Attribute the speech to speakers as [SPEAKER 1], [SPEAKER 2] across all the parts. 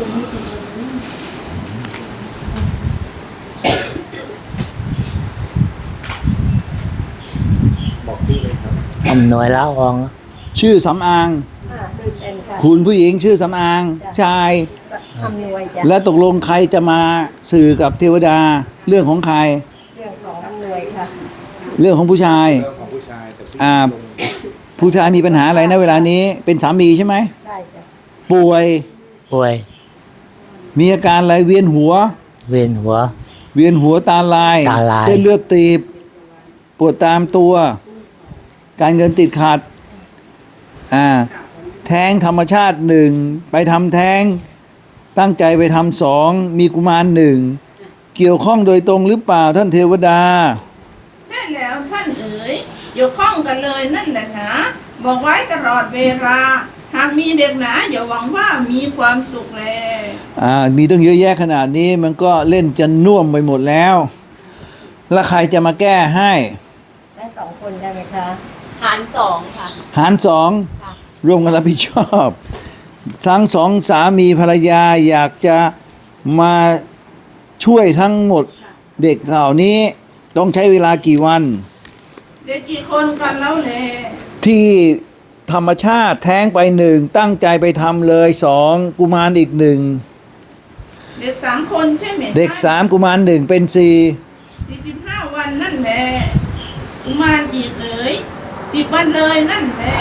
[SPEAKER 1] บอกชื่อเลยครับ
[SPEAKER 2] อำนวยละออง
[SPEAKER 3] ชื่อสำอาง
[SPEAKER 4] เป็นค่ะ
[SPEAKER 3] คุณผู้หญิงชื่อสำอาง ชาย
[SPEAKER 4] อำนวยจ้ะ
[SPEAKER 3] และตกลงใครจะมาสื่อกับเทวดาเรื่องของใคร
[SPEAKER 4] เรื่องของอำนวยค่ะ
[SPEAKER 3] เรื่องของผู้ชาย
[SPEAKER 1] เรื่องของผู้ชายแต่ผู้หญิง
[SPEAKER 3] อ่า
[SPEAKER 1] ลง
[SPEAKER 3] ผู้ชายมีปัญหาอะไรนะเวลานี้เป็นสามีใช่ไหม
[SPEAKER 4] ได้จ้ะ
[SPEAKER 3] ป่วย
[SPEAKER 2] ป่วย
[SPEAKER 3] มีอาการอะไรเวียนหัว
[SPEAKER 2] เวียนหัว
[SPEAKER 3] เวียนหัวตาลาย
[SPEAKER 2] ตาลาย
[SPEAKER 3] เส้นเลือดตีบ ปวดตามตัว การเงินติดขัด แท้งธรรมชาติหนึ่งไปทำแท้ง ตั้งใจไปทำสองมีกุมารหนึ่งเกี่ยวข้องโดยตรงหรือเปล่าท่านเทวดา
[SPEAKER 5] ใช่แล้วท่านเอ๋ยเกี่ยวข้องกันเลยนั่นแหละนะบอกไว้ตลอดเวลาหากมีเด็กหนาอย่าหวังว่ามีความสุขแล
[SPEAKER 3] มีตั้งเยอะแยะขนาดนี้มันก็เล่นจะน่วมไปหมดแล้ว แล้วใครจะมาแก้ให้
[SPEAKER 4] ได้สองคนได้ไหมคะ
[SPEAKER 6] หารสองค่ะ
[SPEAKER 3] หารสอง
[SPEAKER 6] ค่ะ
[SPEAKER 3] ร่วมกันรับผิดชอบ ทั้งสองสามีภรรยาอยากจะมาช่วยทั้งหมดเด็กเหล่านี้ต้องใช้เวลากี่วัน
[SPEAKER 5] เด็กกี่คนกันแล้วแล
[SPEAKER 3] ที่ธรรมชาติแท้งไปหนึ่งตั้งใจไปทำเลยสองกุมารอีกหนึ่ง
[SPEAKER 5] เด็ก3 คนใช่ไหม
[SPEAKER 3] เด็กสามกุมารหนึ่งเป็น
[SPEAKER 5] 45 วันนั่นแหละกุมารอีกเอ๋ย10 วันเลยนั่นแหละ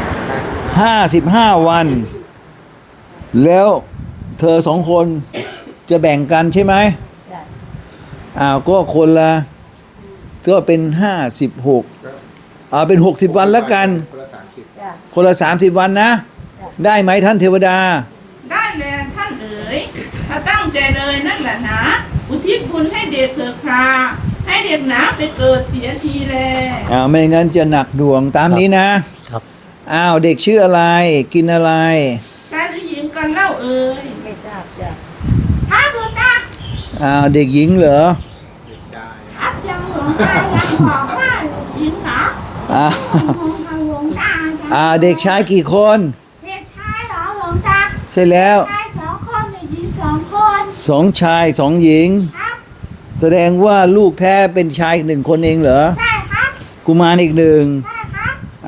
[SPEAKER 3] 55 วัน แล้วเธอสองคนจะแบ่งกันใช่ไหม
[SPEAKER 4] ได้
[SPEAKER 3] ก็คนละก็เป็น56เป็น60 วันแล้วกัน
[SPEAKER 1] คนละ30
[SPEAKER 4] จ้ะ
[SPEAKER 3] คนละ30 วันนะ ได้ไหมท่านเทวดา
[SPEAKER 5] ได้แลท่านเอ๋ยถ้าตั้งใจเลยนั่นแหละนะอุทิศบุญให้เด็กเถิดคราให้เด็กหนาไปเกิดเสียทีแล
[SPEAKER 3] ไม่งั้นจะหนักดวงตามนี้นะครับ เด็กชื่ออะไรกินอะไร
[SPEAKER 5] ชายหรือหญิงกันเล่าเอ๋ย
[SPEAKER 4] ไม่ทราบจ้ะ
[SPEAKER 5] ครับหลวงตา
[SPEAKER 3] เด็กหญิงเหรอ
[SPEAKER 5] ครับยังหลวงตายังบอกว่าหญิงเหรอ
[SPEAKER 3] อ่า
[SPEAKER 5] หลวงตาจ้ะ
[SPEAKER 3] เด็กชายกี่คน
[SPEAKER 5] เด็กชายเหรอหลวงตา
[SPEAKER 3] ใช่แล้ว
[SPEAKER 5] ชาย2 คนเด็กหญิง2 คน
[SPEAKER 3] 2 ชาย 2 หญิง
[SPEAKER 5] ครับ
[SPEAKER 3] แสดงว่าลูกแท้เป็นชาย1 คนเองเหรอ
[SPEAKER 5] ใช่ครับ
[SPEAKER 3] กุมารอีกหนึ่ง
[SPEAKER 5] ใช่ครับ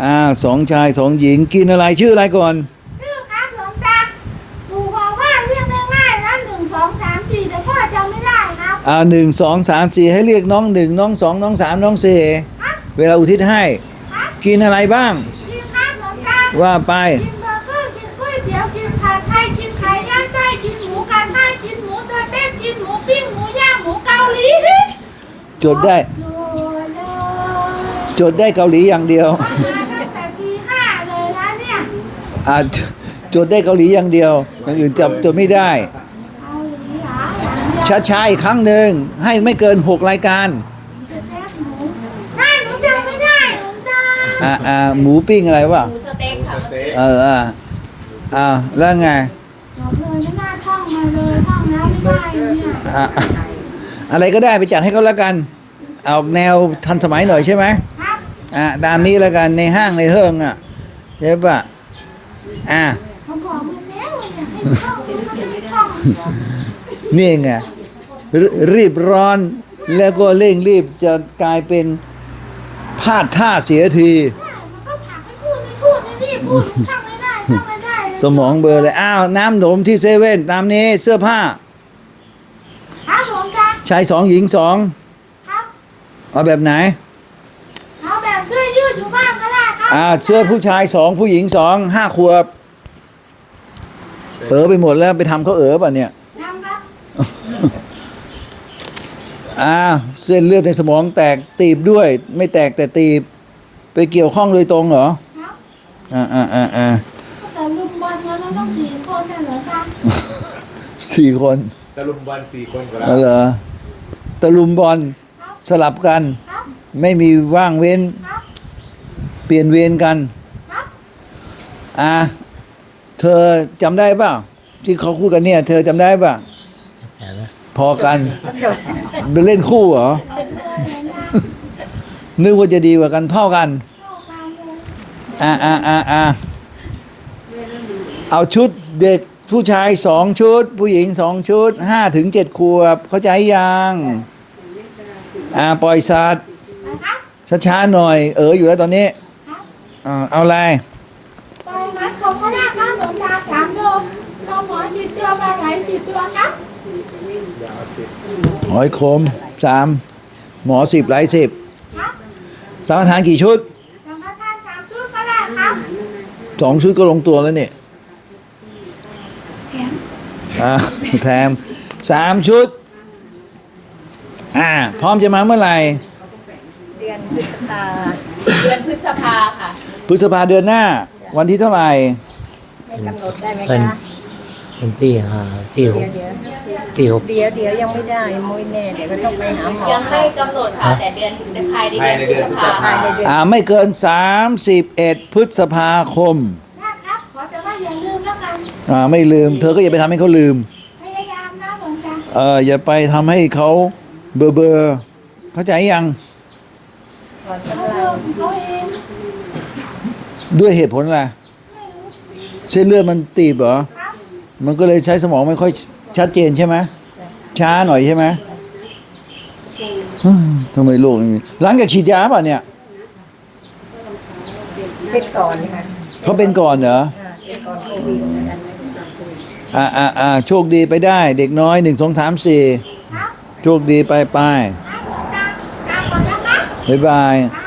[SPEAKER 3] 2 ชาย 2 หญิงกินอะไรชื่ออะไรก่อน
[SPEAKER 5] ชื่อครับหลวงตาปู่บอกว่าเรียกง่ายๆนะ1 2 3 4แต่พ่อจำไม่ได้ครับ
[SPEAKER 3] 1 2 3 4ให้เรียกน้อง1น้อง2น้อง3น้อง4เวลาอุทิศให้
[SPEAKER 5] ครับ
[SPEAKER 3] กินอะไรบ้าง
[SPEAKER 5] กินครับหลวงตา
[SPEAKER 3] ว่าไป
[SPEAKER 5] กินเบอร์เกอร์กินก๋วยเตี๋ยวกินผัดไทยกินไข่ย่างไส้กินหมูกระทะกินหมูสเต็กกินหมูปิ้งหมูย่างหมูเกาหลี
[SPEAKER 3] จดได้
[SPEAKER 5] โอ้เลย
[SPEAKER 3] จดได้เกาหลีอย่างเดียว
[SPEAKER 5] มาตั้งแต่ตี 5เลยนะเนี่ย
[SPEAKER 3] จดได้เกาหลีอย่างเดียวอย่างอื่นจดไม่ได้
[SPEAKER 5] เกาหลีเหรออย่างเดียว
[SPEAKER 3] ช้าๆอีกครั้งหนึ่งให้ไม่เกิน6 รายการ
[SPEAKER 5] สเต็กหมูได้หนูจำไม่ได้หลวงตา
[SPEAKER 3] หมูปิ้งอะไรวะ
[SPEAKER 6] หมูสเต็กค่ะ
[SPEAKER 1] สเต๊ะ
[SPEAKER 3] แล้วไง
[SPEAKER 5] บอกเลยไม่น่าท่องมาเลยท่องแล้วไม่ได้เนี่ย
[SPEAKER 3] อะไรก็ได้ไปจัดให้เขาแล้วกันเอาแนวทันสมัยหน่อยใช่ไหม
[SPEAKER 5] ครับ
[SPEAKER 3] ตามนี้แล้วกันในห้างในเฮิงใช่ปะ
[SPEAKER 5] เขาบอกมาแล้วว่าอยากให้ท่องไม่ท่อง
[SPEAKER 3] นี่ไงรีบร้อนแล้วก็เร่งรีบจะกลายเป็นพลาดท่าเสียที
[SPEAKER 5] มันก็ผลักให้พูดให้พูดให้รีบพูดท่องไม่ได้ท่องไม่ได้เลย
[SPEAKER 3] สมองเบลอเลยน้ำหนมที่เซเว่นตามนี้เสื้อผ้า
[SPEAKER 5] ครับหลวงตา
[SPEAKER 3] ชาย2 หญิง
[SPEAKER 5] ครับ
[SPEAKER 3] 2เอาแบบไหน
[SPEAKER 5] เอาแบบเสื้อยืดอยู่บ้างก็ได้ครับ
[SPEAKER 3] เสื้อผู้ชาย2ผู้หญิง2 5 ขวบไปหมดแล้วไปทำเขาป่ะเนี่ย
[SPEAKER 5] ทำครับ
[SPEAKER 3] เส้นเลือดในสมองแตกตีบด้วย ไม่แตกแต่ตีบ ไปเกี่ยวข้องโดยตรงเหรอ
[SPEAKER 5] ครับ
[SPEAKER 3] อ่า
[SPEAKER 5] แต่ลุมบอลแล้วต้อง4 คนน่ะเหรอครับ
[SPEAKER 3] 4 คน
[SPEAKER 1] ตะลุมบอล4 คนก็แล้ว
[SPEAKER 3] เหรอตะลุมบอลสลับกัน
[SPEAKER 5] ครับ
[SPEAKER 3] ไม่มีว่างเว้น
[SPEAKER 5] ครับ
[SPEAKER 3] เปลี่ยนเวรกัน
[SPEAKER 5] ครับ
[SPEAKER 3] เธอจำได้เปล่าที่เขาพูดกันเนี่ย เธอจำได้เปล่าพอกันไปเล่นคู่เหรอ นึกว่าจะดีกว่ากันเท่ากัน
[SPEAKER 5] เข้ากันเลย
[SPEAKER 3] เอาชุดเด็กผู้ชาย2 ชุด ผู้หญิง2 ชุด5 ถึง 7 ขวบ เข้าใจยังปล่อยสัตว์ช้าๆหน่อย อยู่แล้วตอนนี้เอาอะไร
[SPEAKER 7] ปล่อยมัดผมก็ได้ครับหลวงตา3 โลเราหมอ10 ตัวปลาไหล10 ตัวครับ
[SPEAKER 1] อย่าเอาสิบ
[SPEAKER 3] หอยขม3 หมอ10ไหล10
[SPEAKER 7] ครับ
[SPEAKER 3] สังฆทานกี่ชุด
[SPEAKER 7] สังฆทาน3 ชุดก็ได้ครับ
[SPEAKER 3] 2 ชุดก็ลงตัวแล้วนี่
[SPEAKER 7] แถม
[SPEAKER 3] แถม3 ชุดพร้อมจะมาเมื่อไหร่
[SPEAKER 4] เดือนพฤษภา
[SPEAKER 6] เดือนพฤษภาค่ะ
[SPEAKER 3] พฤษภาเดือนหน้า วันที่เท่าไหร่
[SPEAKER 4] ไม่กำหนดได้ไหม
[SPEAKER 2] เป็น
[SPEAKER 4] คะ
[SPEAKER 2] เป็นที่ที่หก
[SPEAKER 4] เดี๋ยว
[SPEAKER 2] ที่หก
[SPEAKER 4] เดี๋ยวยังไม่ได้มุ้ยแน่เดี๋ยวก็ต้องไปหาหมอ
[SPEAKER 6] ยังไม่กำหนดค่ะ แต่เดือนถึงภายในเดือนพฤษภา
[SPEAKER 4] ภายในเดือน
[SPEAKER 3] ไม่เกิน31 พฤษภาคม
[SPEAKER 7] ได้ครับ ขอแต่ว่าอย่าลืมแล้วกัน
[SPEAKER 3] ไม่ลืม เธอก็อย่าไปทำให้เขาลืม
[SPEAKER 7] พยายามนะหลวงตา
[SPEAKER 3] อย่าไปทำให้เขาเบอร์เข้าใจยัง
[SPEAKER 4] ก่อน
[SPEAKER 7] เขา
[SPEAKER 4] กำลั
[SPEAKER 7] เลิ
[SPEAKER 4] ง
[SPEAKER 7] กเขาเอง
[SPEAKER 3] ด้วยเหตุผลอะไร
[SPEAKER 7] ไม่รู้
[SPEAKER 3] เส้นเลือดมันตีบเหรอ
[SPEAKER 7] ครับ
[SPEAKER 3] มันก็เลยใช้สมองไม่ค่อยชัดเจนใช่ไหมช้าหน่อยใช่ไหมทำไมโลกนี้หลังจากฉีดยาป่ะเนี่ย
[SPEAKER 4] เป็นก่อนค่ะ
[SPEAKER 3] เขาเป็นก่อนเหรอ
[SPEAKER 4] เป็นก่อนโควิดเหมือนกันไหม
[SPEAKER 3] โชคดีไปได้ เด็กน้อย1 2 3
[SPEAKER 7] ครับ
[SPEAKER 3] 4โชคดีไป
[SPEAKER 7] ครับหลวงตาตามก่อนนะคะ
[SPEAKER 3] บ๊ายบาย
[SPEAKER 7] ครับ